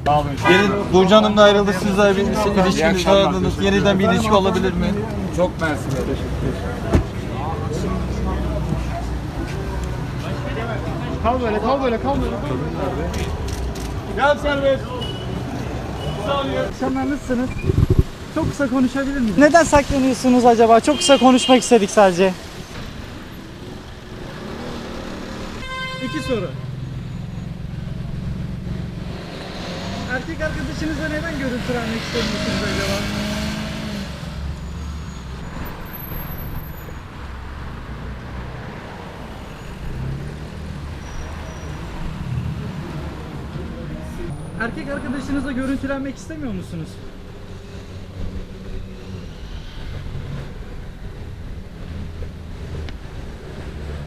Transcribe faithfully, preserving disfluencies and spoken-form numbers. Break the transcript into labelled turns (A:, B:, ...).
A: Yeni, Burcu Hanım'la ayrıldı, siz de bir ilişkiniz aradınız. Yeniden bir ilişki olabilir mi?
B: Çok mersi.
C: Kal böyle, kal böyle, kal böyle.
A: Gel serbest.
C: Akşamlar nasılsınız? Çok kısa konuşabilir miyiz? Neden saklanıyorsunuz acaba? Çok kısa konuşmak istedik sadece. İki soru. Erkek arkadaşınızla neden görüntülenmek istemiyorsunuz acaba? Erkek arkadaşınızla görüntülenmek istemiyor musunuz?